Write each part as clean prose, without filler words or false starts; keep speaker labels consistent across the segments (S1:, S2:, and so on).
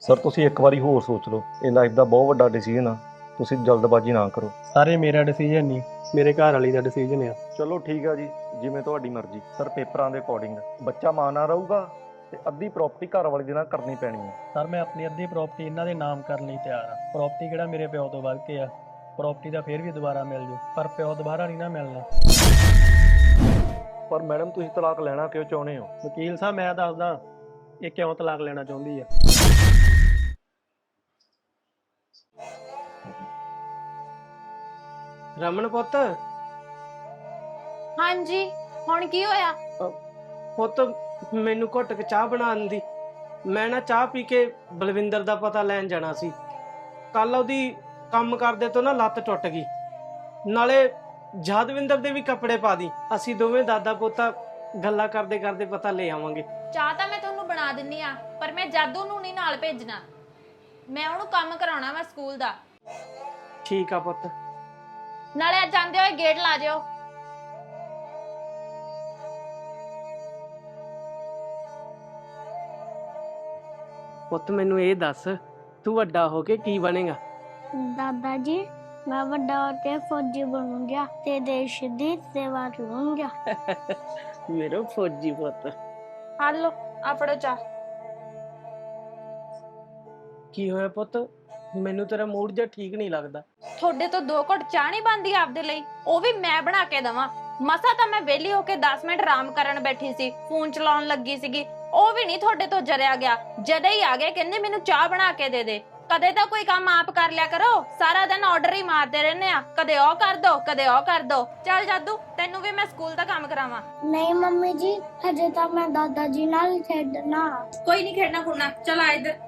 S1: Sir ਤੁਸੀਂ ਇੱਕ ਵਾਰੀ ਹੋਰ ਸੋਚ ਲਓ, ਇਹ ਲਾਈਫ ਦਾ ਬਹੁਤ ਵੱਡਾ ਡਿਸੀਜਨ ਆ। ਤੁਸੀਂ ਜਲਦਬਾਜ਼ੀ ਨਾ ਕਰੋ।
S2: ਸਾਰੇ ਮੇਰਾ ਡਿਸੀਜਨ ਨਹੀਂ, ਮੇਰੇ ਘਰ ਵਾਲੀ ਦਾ ਡਿਸੀਜਨ ਆ।
S1: ਚਲੋ ਠੀਕ ਆ ਜੀ, ਜਿਵੇਂ ਤੁਹਾਡੀ ਮਰਜ਼ੀ। ਸਰ ਪੇਪਰਾਂ ਦੇ ਅਕੋਰਡਿੰਗ ਬੱਚਾ ਮਾਂ ਨਾਲ ਰਹੂਗਾ ਤੇ ਅੱਧੀ ਪ੍ਰਾਪਰਟੀ ਘਰ ਵਾਲੇ ਦੇ ਨਾਲ ਕਰਨੀ ਪੈਣੀ ਹੈ।
S2: ਸਰ ਮੈਂ ਆਪਣੀ ਅੱਧੀ ਪ੍ਰਾਪਰਟੀ ਇਹਨਾਂ ਦੇ ਨਾਮ ਕਰਨ ਲਈ ਤਿਆਰ ਆ। ਪ੍ਰਾਪਰਟੀ ਕਿਹੜਾ ਮੇਰੇ ਪਿਓ ਤੋਂ ਵੱਧ ਕੇ ਆ। ਪ੍ਰਾਪਰਟੀ ਦਾ ਫੇਰ ਵੀ ਦੁਬਾਰਾ ਮਿਲ ਜੂ, ਪਰ ਪਿਓ ਦੁਬਾਰਾ ਨਹੀਂ ਨਾ ਮਿਲਣਾ।
S1: ਪਰ ਮੈਡਮ ਤੁਸੀਂ ਤਲਾਕ ਲੈਣਾ ਕਿਉਂ ਚਾਹੁੰਦੇ ਹੋ?
S2: ਵਕੀਲ ਸਾਹਿਬ ਮੈਂ ਦੱਸਦਾ ਇਹ ਕਿਉਂ ਤਲਾਕ ਲੈਣਾ ਚਾਹੁੰਦੀ ਆ।
S3: ਰਮਨ ਪੁੱਤ,
S4: ਹਾਂਜੀ, ਹੁਣ ਕੀ ਹੋਇਆ?
S3: ਪੁੱਤ ਮੈਨੂੰ ਘੁੱਟ ਕੇ ਚਾਹ ਬਣਾ ਦਿੰਦੀ। ਮੈਂ ਨਾ ਚਾਹ ਪੀ ਕੇ ਬਲਵਿੰਦਰ ਦਾ ਪਤਾ ਲੈਣ ਜਾਣਾ ਸੀ। ਕੱਲ ਉਹਦੀ ਕੰਮ ਕਰਦੇ ਤੋਂ ਨਾ ਲੱਤ ਟੁੱਟ ਗਈ। ਨਾਲੇ ਜਾਦਵਿੰਦਰ ਦੇ ਵੀ ਕੱਪੜੇ ਪਾ ਦੀ। ਅਸੀਂ ਦੋਵੇਂ ਦਾਦਾ ਪੋਤਾ ਗੱਲਾਂ ਕਰਦੇ ਕਰਦੇ ਪਤਾ ਲੈ ਆਵਾਂਗੇ।
S4: ਚਾਹ ਤਾਂ ਮੈਂ ਤੁਹਾਨੂੰ ਬਣਾ ਦਿੰਨੀ ਆ, ਪਰ ਮੈਂ ਜਾਦੂ ਨੂੰ ਨਹੀਂ ਨਾਲ ਭੇਜਣਾ। ਮੈਂ ਉਹਨੂੰ ਕੰਮ ਕਰਾਉਣਾ ਵਾ ਸਕੂਲ ਦਾ।
S3: ਠੀਕ ਆ ਪੁੱਤ।
S4: ਨਾਲੇ ਅੱਜ ਜਾਂਦੇ ਹੋਏ ਗੇਟ ਲਾ ਜਿਓ।
S3: ਪੁੱਤ ਮੈਨੂੰ ਇਹ ਦੱਸ, ਤੂੰ ਵੱਡਾ ਹੋ ਕੇ ਕੀ ਬਣੇਗਾ?
S5: दादा जी मैं बड़ा होके फौजी बनूंगा ते देश दी सेवा करूंगा।
S3: ਮੇਰਾ ਫੌਜੀ ਪੁੱਤ।
S4: ਆ ਲਓ, ਆ ਫੜੋ ਚਾਹ।
S3: ਕੀ ਹੋਇਆ ਪੁੱਤ? ਮੈਨੂੰ ਤੇਰਾ ਮੂਡ ਜਿਹਾ ਠੀਕ ਨਹੀਂ ਲੱਗਦਾ।
S4: ਤੁਹਾਡੇ ਤੋਂ 2 ਘੁੱਟ ਚਾਹ ਨਹੀਂ ਬਣਦੀ ਆਪਦੇ ਲਈ? ਉਹ ਵੀ ਮੈਂ ਬਣਾ ਕੇ ਦਵਾਂ? ਮਸਾ ਤਾਂ ਮੈਂ ਵਿਹਲੀ ਹੋ ਕੇ 10 ਮਿੰਟ ਆਰਾਮ ਕਰਨ ਬੈਠੀ ਸੀ, ਫੋਨ ਚਲਾਉਣ ਲੱਗੀ ਸੀਗੀ। ਉਹ ਵੀ ਨਹੀਂ ਤੁਹਾਡੇ ਤੋਂ ਜਰਿਆ ਗਿਆ। ਜਦੇ ਹੀ ਆ ਗਏ, ਕਹਿੰਦੇ ਮੈਨੂੰ ਚਾਹ ਬਣਾ ਕੇ ਦੇ ਦੇ। ਕਦੇ ਤਾਂ ਕੋਈ ਕੰਮ ਆਪ ਕਰ ਲਿਆ ਕਰੋ। ਸਾਰਾ ਦਿਨ ਆਰਡਰ ਹੀ ਮਾਰਦੇ ਰਹਿੰਦੇ ਆ, ਕਦੇ ਉਹ ਕਰ ਦੋ ਕਦੇ ਉਹ ਕਰ ਦੋ। ਚੱਲ ਜਾਦੂ, ਤੈਨੂੰ ਵੀ ਮੈਂ ਸਕੂਲ ਦਾ ਕੰਮ ਕਰਾਵਾਂ।
S5: नहीं मम्मी जी हजे तो मैं दादाजी नाल खेडना।
S4: ਕੋਈ ਨਹੀਂ ਖੇਡਣਾ ਖੁੱਡਣਾ, ਚਲ ਆ ਇੱਧਰ।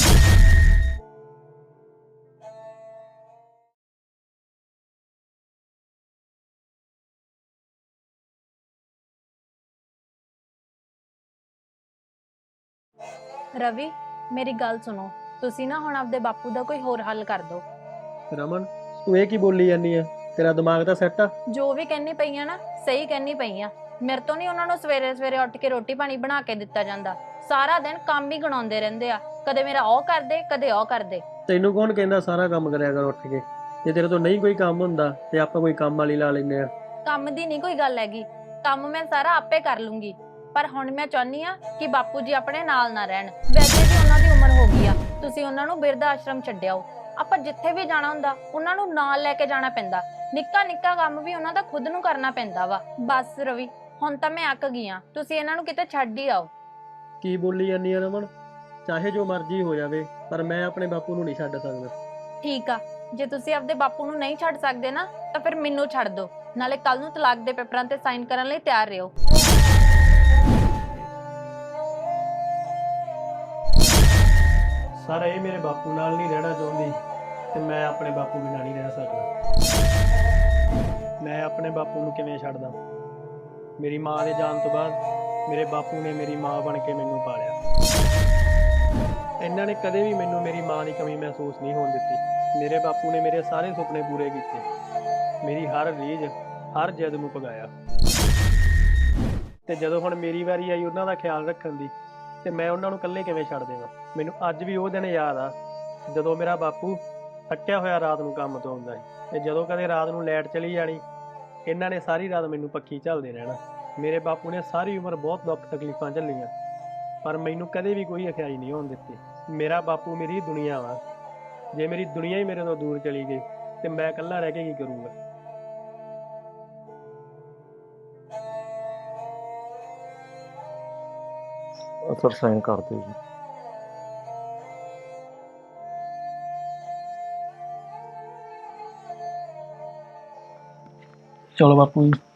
S4: ਰਵੀ, ਮੇਰੀ ਗੱਲ ਸੁਣੋ। ਤੁਸੀਂ ਨਾ ਹੁਣ ਆਪਦੇ ਬਾਪੂ ਦਾ ਕੋਈ ਹੋਰ ਹੱਲ ਕਰ ਦਿਓ।
S2: ਰਮਨ ਤੂੰ ਇਹ ਕੀ ਬੋਲੀ ਜਾਂਦੀ ਆ? ਤੇਰਾ ਦਿਮਾਗ ਤਾਂ ਸੈੱਟ ਆ।
S4: ਜੋ ਵੀ ਕਹਿੰਨੀ ਪਈ ਆ ਨਾ, ਸਹੀ ਕਹਿੰਨੀ ਪਈ ਆ। ਮੇਰੇ ਤੋਂ ਨਹੀਂ ਉਹਨਾਂ ਨੂੰ ਸਵੇਰੇ ਸਵੇਰੇ ਉੱਠ ਕੇ ਰੋਟੀ ਪਾਣੀ ਬਣਾ ਕੇ ਦਿੱਤਾ ਜਾਂਦਾ। ਸਾਰਾ ਦਿਨ ਕੰਮ ਹੀ ਗਣਾਉਂਦੇ ਰਹਿੰਦੇ ਆ। ਕਦੇ ਮੇਰਾ ਉਹ ਕਰਦੇ ਕਦੇ ਉਹ ਕਰਦੇ।
S2: ਤੈਨੂੰ ਕੌਣ ਕਹਿੰਦਾ ਸਾਰਾ ਕੰਮ ਕਰਿਆ ਕਰ ਉੱਠ ਕੇ? ਜੇ ਤੇਰੇ ਤੋਂ ਨਹੀਂ ਕੋਈ ਕੰਮ ਹੁੰਦਾ ਤੇ ਆਪਾਂ ਕੋਈ ਕੰਮ ਵਾਲੀ ਲਾ ਲੈਂਦੇ ਆ।
S4: ਕੰਮ ਦੀ ਨਹੀਂ ਕੋਈ ਗੱਲ ਹੈਗੀ, ਕੰਮ ਮੈਂ ਸਾਰਾ ਆਪੇ ਕਰ ਲੂੰਗੀ। ਪਰ ਹੁਣ ਮੈਂ ਚਾਹੁੰਦੀ ਆ ਕਿ ਬਾਪੂ ਜੀ ਆਪਣੇ ਨਾਲ ਨਾ ਰਹਿਣ। ਵੈਸੇ ਵੀ ਉਹਨਾਂ ਦੀ ਉਮਰ ਹੋ ਗਈ ਆ, ਤੁਸੀਂ ਉਹਨਾਂ ਨੂੰ ਬਿਰਧ ਆਸ਼ਰਮ ਛੱਡਿਆਓ। ਆਪਾਂ ਜਿੱਥੇ ਵੀ ਜਾਣਾ ਹੁੰਦਾ ਉਹਨਾਂ ਨੂੰ ਨਾਲ ਲੈ ਕੇ ਜਾਣਾ ਪੈਂਦਾ। ਨਿੱਕਾ ਨਿੱਕਾ ਕੰਮ ਵੀ ਉਹਨਾਂ ਦਾ ਖੁਦ ਨੂੰ ਕਰਨਾ ਪੈਂਦਾ ਵਾ। ਬਸ ਰਵੀ, ਹੁਣ ਤਾਂ ਮੈਂ ਅੱਕ ਗਈ ਆ। ਤੁਸੀਂ ਇਹਨਾਂ ਨੂੰ ਕਿਤੇ ਛੱਡ ਹੀ ਆਓ।
S2: ਕੀ ਬੋਲੀ ਜਾਂਦੀ ਆ ਰਮਨ? ਚਾਹੇ ਜੋ ਮਰਜ਼ੀ ਹੋ ਜਾਵੇ, ਪਰ ਮੈਂ ਆਪਣੇ ਬਾਪੂ ਨੂੰ ਨਹੀਂ ਛੱਡ ਸਕਦਾ।
S4: ਠੀਕ ਆ, ਜੇ ਤੁਸੀਂ ਆਪਦੇ ਬਾਪੂ ਨੂੰ ਨਹੀਂ ਛੱਡ ਸਕਦੇ ਨਾ, ਤਾਂ ਫਿਰ ਮੈਨੂੰ ਛੱਡ ਦਿਓ। ਨਾਲੇ ਕੱਲ ਨੂੰ ਤਲਾਕ ਦੇ ਪੇਪਰਾਂ ਤੇ ਸਾਈਨ ਕਰਨ ਲਈ ਤਿਆਰ ਰਹੋ।
S2: ਸਰ ਇਹ ਮੇਰੇ ਬਾਪੂ ਨਾਲ ਨਹੀਂ ਰਹਿਣਾ ਚਾਹੁੰਦੀ ਤੇ ਮੈਂ ਆਪਣੇ ਬਾਪੂ ਬਿਨਾਂ ਨਹੀਂ ਰਹਿ ਸਕਦਾ। ਮੈਂ ਆਪਣੇ ਬਾਪੂ ਨੂੰ ਕਿਵੇਂ ਛੱਡਦਾ? ਮੇਰੀ ਮਾਂ ਦੇ ਜਾਣ ਤੋਂ ਬਾਅਦ ਮੇਰੇ ਬਾਪੂ ਨੇ ਮੇਰੀ ਮਾਂ ਬਣ ਕੇ ਮੈਨੂੰ ਪਾਲਿਆ। ਇਹਨਾਂ ਨੇ ਕਦੇ ਵੀ ਮੈਨੂੰ ਮੇਰੀ ਮਾਂ ਦੀ ਕਮੀ ਮਹਿਸੂਸ ਨਹੀਂ ਹੋਣ ਦਿੱਤੀ। ਮੇਰੇ ਬਾਪੂ ਨੇ ਮੇਰੇ ਸਾਰੇ ਸੁਪਨੇ ਪੂਰੇ ਕੀਤੇ, ਮੇਰੀ ਹਰ ਰੀਝ ਹਰ ਜਿੱਦ ਨੂੰ ਪੁਗਾਇਆ। ਤੇ ਜਦੋਂ ਹੁਣ ਮੇਰੀ ਵਾਰੀ ਆਈ ਉਹਨਾਂ ਦਾ ਖਿਆਲ ਰੱਖਣ ਦੀ, ਤੇ ਮੈਂ ਉਹਨਾਂ ਨੂੰ ਇਕੱਲੇ ਕਿਵੇਂ ਛੱਡ ਦੇਵਾਂ? ਮੈਨੂੰ ਅੱਜ ਵੀ ਉਹ ਦਿਨ ਯਾਦ ਆ ਜਦੋਂ ਮੇਰਾ ਬਾਪੂ ਥੱਕਿਆ ਹੋਇਆ ਰਾਤ ਨੂੰ ਕੰਮ ਤੋਂ ਆਉਂਦਾ ਸੀ ਤੇ ਜਦੋਂ ਕਦੇ ਰਾਤ ਨੂੰ ਲਾਈਟ ਚਲੀ ਜਾਣੀ, ਇਹਨਾਂ ਨੇ ਸਾਰੀ ਰਾਤ ਮੈਨੂੰ ਪੱਖੀ ਝੱਲਦੇ ਰਹਿਣਾ। ਮੇਰੇ ਬਾਪੂ ਨੇ ਸਾਰੀ ਉਮਰ ਬਹੁਤ ਦੁੱਖ ਤਕਲੀਫਾਂ ਝੱਲੀਆਂ, ਪਰ ਮੈਨੂੰ ਕਦੇ ਵੀ ਕੋਈ ਅਖਿਆਈ ਨਹੀਂ ਹੋਣ ਦਿੱਤੀ। ਮੇਰਾ ਬਾਪੂ ਮੇਰੀ ਦੁਨੀਆ ਵਾ। ਜੇ ਮੇਰੀ ਦੁਨੀਆ ਹੀ ਮੇਰੇ ਤੋਂ ਦੂਰ ਚਲੀ ਗਈ ਤੇ ਮੈਂ ਇਕੱਲਾ ਰਹਿ ਕੇ ਕੀ ਕਰੂੰਗਾ?
S1: ਸਰ ਸਾਈਨ ਕਰ ਦਿਓ ਜੀ।
S2: ਚਲੋ ਬਾਪੂ ਜੀ।